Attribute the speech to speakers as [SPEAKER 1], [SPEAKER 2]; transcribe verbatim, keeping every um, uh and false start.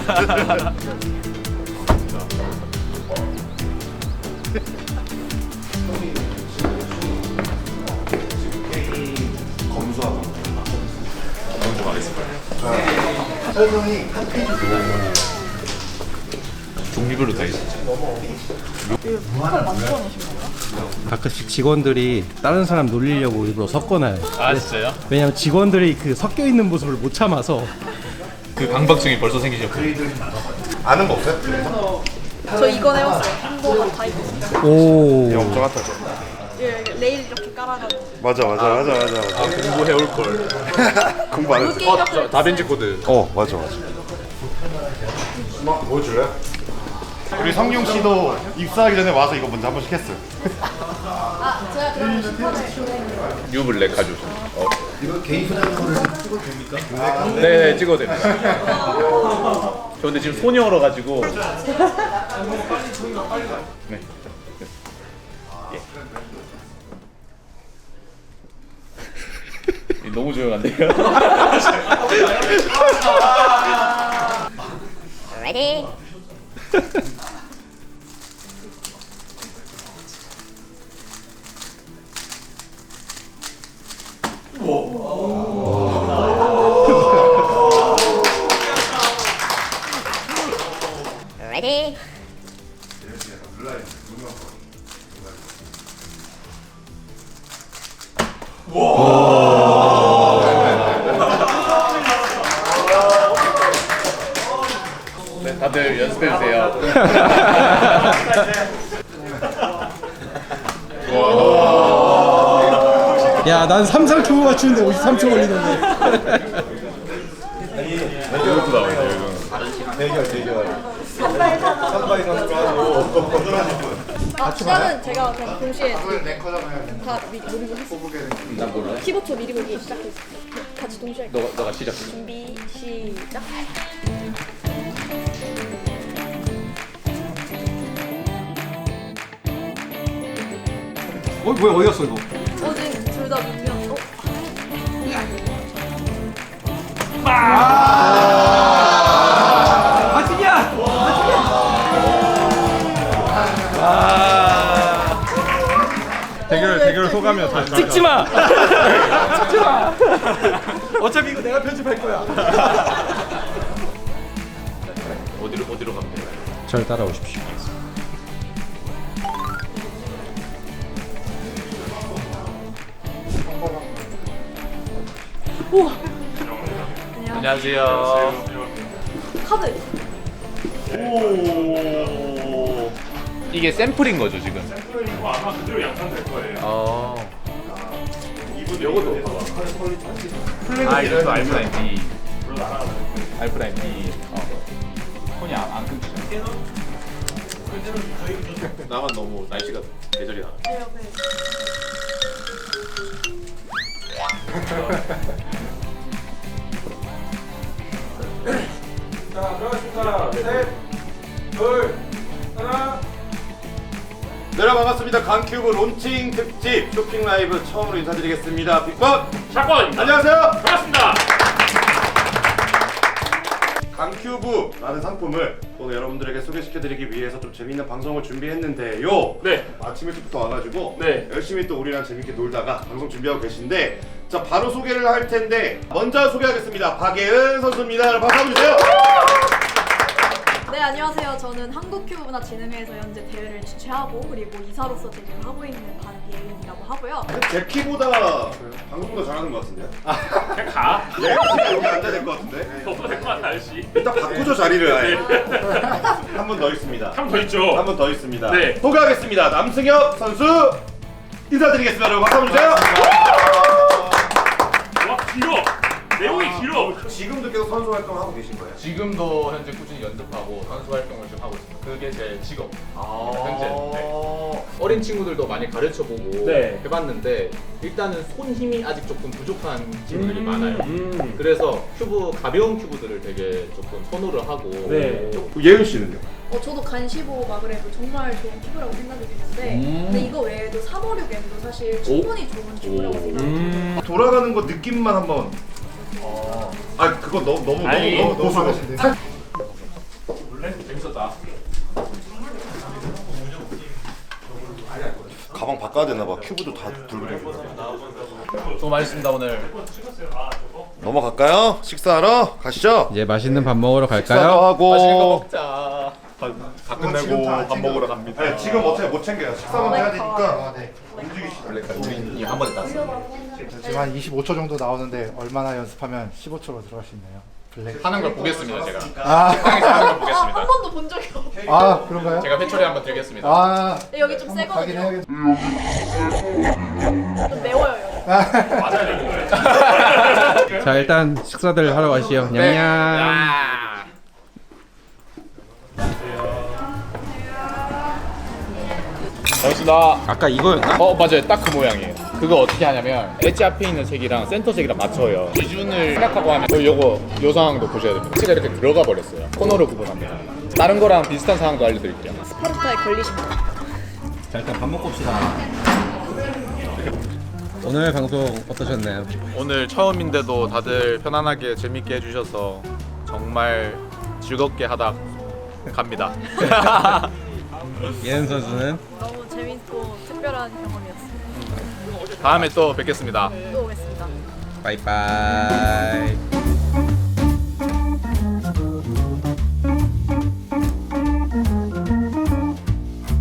[SPEAKER 1] 검수하고
[SPEAKER 2] 먼저 가겠습니다.
[SPEAKER 1] 설명이 한 페이지
[SPEAKER 2] 종류별로 다 있었죠.
[SPEAKER 3] 가끔씩 직원들이 다른 사람 놀리려고 일부러 섞어놔요.
[SPEAKER 2] 아 진짜요?
[SPEAKER 3] 왜냐면 직원들이 그 섞여 있는 모습을 못 참아서.
[SPEAKER 2] 그 강박증이 벌써 생기셨고.
[SPEAKER 1] 아는 거 없어요? 그래서?
[SPEAKER 4] 저 이거 해봤어요. 한국어 타이പ്പ്.
[SPEAKER 3] 오.
[SPEAKER 1] 영정 같다 저.
[SPEAKER 4] 예, 레일 이렇게 깔아가지고.
[SPEAKER 1] 맞아 맞아 맞아 맞아 맞아.
[SPEAKER 2] 공부해 올 걸.
[SPEAKER 1] 공부 안 했어.
[SPEAKER 4] 게임 같은
[SPEAKER 2] 다빈치 코드.
[SPEAKER 1] 어 맞아 맞아. 뭐 보여줄래요? 우리 성룡 씨도 입사하기 전에 와서 이거 먼저 한 번씩 했어요.
[SPEAKER 4] 아, 제가 그러면 슈퍼를 준비했는데.
[SPEAKER 2] 뉴블랙 가져오셨네. 어.
[SPEAKER 1] 이거 개인 소장용으로 찍어도 됩니까?
[SPEAKER 2] 네, 찍어도 됩니다. 저 근데 지금 손이 얼어가지고. 네. 예. 너무 조용한데요?
[SPEAKER 5] Ready? Ready?
[SPEAKER 2] 네, 다들 연습해주세요.
[SPEAKER 3] 야, 난 삼상 큐브 맞추는데 오십삼 초 걸리던데.
[SPEAKER 2] 이것도 나오네요, 이거.
[SPEAKER 1] 대결 대결. 삼바이 선수로 하고.
[SPEAKER 4] 아, 시작은 제가 그냥 동시에
[SPEAKER 1] 랭커잖아요.
[SPEAKER 4] 다 미, 미리고 했어요.
[SPEAKER 2] 난 몰라.
[SPEAKER 4] 십오 초 미리 보기 시작했어요. 같이 동시에 할게요.
[SPEAKER 2] 너가, 너가 시작해.
[SPEAKER 4] 준비, 시작.
[SPEAKER 3] 어, 뭐야, 어디 갔어, 이거?
[SPEAKER 4] 어, 지금 둘 다 민면. 어?
[SPEAKER 3] 대결, 대결 소감이야, 다시. 찍지 마! 찍지 마! 어차피 이거 내가 편집할 거야.
[SPEAKER 2] 어디로, 어디로 가면 돼요?
[SPEAKER 3] 절 따라오십시오.
[SPEAKER 4] 우와!
[SPEAKER 2] 안녕하세요.
[SPEAKER 4] 카드.
[SPEAKER 2] 오. 이게 샘플인 거죠, 지금? 샘플이고 아마 그대로 양산될 거예요. 어. 이분 요거도. 아, 이것도 알프라인 B. 알프라인 B. 어. 폰이 안, 안 끊기죠? 나만 너무 날씨가 계절이 나.
[SPEAKER 4] 네, 옆에.
[SPEAKER 6] 자, 들어가겠습니다. 셋, 둘, 하나.
[SPEAKER 1] 네, 반갑습니다. 강큐브 론칭 특집 쇼핑 라이브 처음으로 인사드리겠습니다. 빅번
[SPEAKER 6] 샷건입니다.
[SPEAKER 1] 안녕하세요.
[SPEAKER 6] 반갑습니다.
[SPEAKER 1] 강큐브라는 상품을 오늘 여러분들에게 소개시켜드리기 위해서 좀 재밌는 방송을 준비했는데요.
[SPEAKER 6] 네.
[SPEAKER 1] 아침 일찍부터 와가지고
[SPEAKER 6] 네.
[SPEAKER 1] 열심히 또 우리랑 재밌게 놀다가 방송 준비하고 계신데, 자 바로 소개를 할 텐데 먼저 소개하겠습니다. 박예은 선수입니다. 여러분 박수 한번 주세요.
[SPEAKER 4] 네, 안녕하세요. 저는 한국큐브문화진흥회에서 현재 대회를 주최하고 그리고 이사로서 대회를 하고 있는 박예은이라고 하고요.
[SPEAKER 1] 제 키보다 방송보다 잘하는 것 같은데요?
[SPEAKER 6] 그냥 가.
[SPEAKER 1] 예은 씨가 여기 앉아야 될 것 같은데?
[SPEAKER 6] 너무 될것 같아, 아저씨.
[SPEAKER 1] 일단 바꾸죠 자리를 아예. 한 분 더 있습니다.
[SPEAKER 6] 한 번 더 있죠.
[SPEAKER 1] 한 분 더 있습니다.
[SPEAKER 6] 네.
[SPEAKER 1] 소개하겠습니다. 남승엽 선수 인사드리겠습니다. 여러분 박수 한번 주세요.
[SPEAKER 6] 와, 길어. 내용이 길어.
[SPEAKER 1] 지금도 계속 선수 활동을 하고 계신 거예요?
[SPEAKER 2] 지금도 현재 꾸준히 연습하고 선수 활동을 좀 하고 있습니다. 그게 제 직업.
[SPEAKER 1] 아
[SPEAKER 2] 현재. 네. 어린 친구들도 많이 가르쳐보고
[SPEAKER 6] 네.
[SPEAKER 2] 해봤는데 일단은 손 힘이 아직 조금 부족한 친구들이
[SPEAKER 6] 음.
[SPEAKER 2] 많아요.
[SPEAKER 6] 음.
[SPEAKER 2] 그래서 큐브 가벼운 큐브들을 되게 조금 선호를 하고
[SPEAKER 6] 네.
[SPEAKER 1] 예은 씨는요?
[SPEAKER 4] 어, 저도 간시보 마그레브 정말 좋은 큐브라고 생각드리는데
[SPEAKER 2] 음.
[SPEAKER 4] 근데 이거 외에도 삼오육 M도 사실 충분히 좋은 큐브라고
[SPEAKER 2] 오.
[SPEAKER 4] 생각해요.
[SPEAKER 1] 돌아가는 거 느낌만 한번. 아 그거 너무 너무
[SPEAKER 6] 아니,
[SPEAKER 1] 너무 너무 고소하신데.
[SPEAKER 2] 보다.
[SPEAKER 1] 가방 바꿔야 되나 봐. 큐브도 다 붉은.
[SPEAKER 2] 수고 많으셨습니다 오늘.
[SPEAKER 1] 넘어갈까요? 식사하러 가시죠.
[SPEAKER 3] 이제 맛있는 밥 먹으러
[SPEAKER 1] 식사도
[SPEAKER 3] 갈까요?
[SPEAKER 1] 하고.
[SPEAKER 2] 맛있는 거 먹자. 다 끝내고 밥 먹으러 갑니다.
[SPEAKER 1] 네, 지금 어차피 못 챙겨요. 식사만 해야 되니까. 움직이시죠.
[SPEAKER 2] 우리 한 번에 땄어.
[SPEAKER 5] 지금 한 이십오 초 정도 나오는데 얼마나 연습하면 십오 초로 들어갈 수 있나요? 블랙.
[SPEAKER 2] 하는 걸 보겠습니다 제가.
[SPEAKER 5] 아,
[SPEAKER 2] 세상에서 하는 걸
[SPEAKER 4] 아,
[SPEAKER 2] 보겠습니다.
[SPEAKER 4] 한 번도 본 적이 없어.
[SPEAKER 5] 아 그런가요?
[SPEAKER 2] 제가 회초리 한번 들겠습니다.
[SPEAKER 5] 아,
[SPEAKER 4] 여기 좀
[SPEAKER 5] 한번 가긴
[SPEAKER 4] 세거든요.
[SPEAKER 5] 해야겠.
[SPEAKER 4] 좀 매워요 여기.
[SPEAKER 3] 자 일단 식사들 하러 가시죠.
[SPEAKER 2] 네.
[SPEAKER 3] 냠냠.
[SPEAKER 2] 야. 고맙습니다.
[SPEAKER 3] 아까 이거였나?
[SPEAKER 2] 어 맞아요 딱 그 모양이에요. 그거 어떻게 하냐면 엣지 앞에 있는 색이랑 센터 색이랑 맞춰요. 기준을 생각하고 하면 어, 요거 요 상황도 보셔야 됩니다. 엣지가 이렇게 들어가 버렸어요. 코너로 구분합니다. 다른 거랑 비슷한 상황도 알려드릴게요.
[SPEAKER 4] 스파르타에 걸리십니다.
[SPEAKER 3] 자 일단 밥 먹고 옵시다. 오늘 방송 어떠셨나요?
[SPEAKER 2] 오늘 처음인데도 다들 편안하게 재밌게 해주셔서 정말 즐겁게 하다 갑니다.
[SPEAKER 3] 예은 선수는
[SPEAKER 4] 너무 재밌고 특별한 경험이었어요.
[SPEAKER 2] 다음에 또 뵙겠습니다.
[SPEAKER 4] 또 오겠습니다.
[SPEAKER 3] 바이바이.